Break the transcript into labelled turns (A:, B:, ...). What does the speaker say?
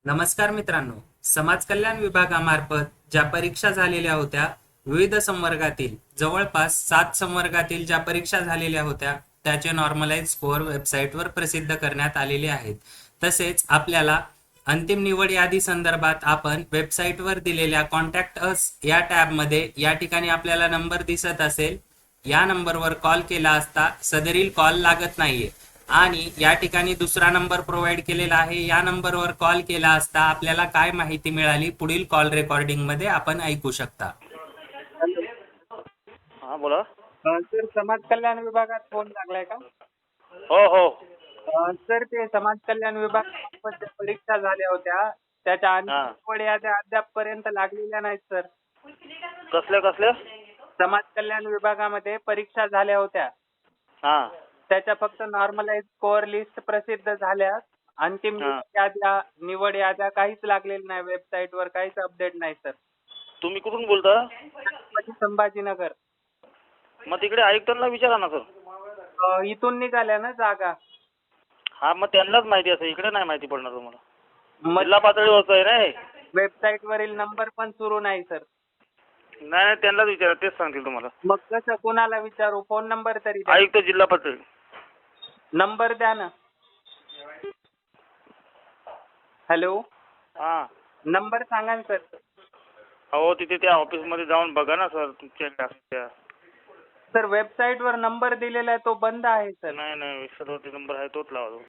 A: नमस्कार मित्रांनो, समाज कल्याण विभागामार्फत ज्या परीक्षा झालेल्या होत्या, विविध संवर्गातील जवळपास 7 संवर्गातील ज्या परीक्षा झालेल्या होत्या त्याचे नॉर्मलाइज स्कोअर वेबसाईटवर प्रसिद्ध करण्यात आलेले आहेत. तसेच आपल्याला अंतिम निवड यादी संदर्भात आपण वेबसाईटवर दिलेल्या कॉन्टॅक्ट अस या टॅबमध्ये या ठिकाणी आपल्याला नंबर दिसत असेल, या नंबरवर कॉल केला असता सदरील कॉल लागत नाहीये आणि या ठिकाणी दुसरा नंबर प्रोव्हाइड केलेला आहे. या नंबरवर कॉल केला असता आपल्याला काय माहिती मिळाली पुढील कॉल रेकॉर्डिंग मध्ये आपण ऐकू शकता.
B: हा बोला.
C: सर, समाज कल्याण विभागात फोन लागलाय का?
B: हो हो.
C: सर, ते समाज कल्याण विभागात ज्या परीक्षा झाल्या होत्या त्याच्या
B: हा.
C: निवड याद्या अद्यापपर्यंत लागलेल्या नाहीत सर.
B: कसल्या?
C: समाज कल्याण विभागामध्ये परीक्षा झाल्या होत्या,
B: हा
C: त्याच्या फक्त नॉर्मलाइज स्कोअर लिस्ट प्रसिद्ध झाल्या. अंतिम
B: हा.
C: निवड याद्या काहीच लागलेल्या नाही, वेबसाईटवर काहीच अपडेट नाही सर.
B: तुम्ही कुठून बोलता?
C: छत्रपती संभाजीनगर.
B: मग तिकडे आयुक्तांना विचारा ना सर.
C: इथून निघाल्या ना जागा.
B: हा मग त्यांनाच माहिती असेल, इकडे नाही माहिती पडणार तुम्हाला.
C: मग
B: जिल्हा पातळीवरचं आहे ना.
C: वेबसाईट वरील नंबर पण सुरू नाही सर.
B: नाही त्यांनाच विचारा, तेच सांगतील तुम्हाला.
C: मग कसं कोणाला विचारू? फोन नंबर तरी द्या.
B: आयुक्त जिल्हा पातळी.
C: नंबर द्या ना. हॅलो,
B: हा
C: नंबर सांगा ना सर.
B: हो, तिथे त्या ऑफिसमध्ये जाऊन बघा ना सर तुमच्या.
C: सर, वेबसाईट वर नंबर दिलेला आहे तो बंद आहे सर.
B: नाही सर्वती नंबर आहे तोच लावा.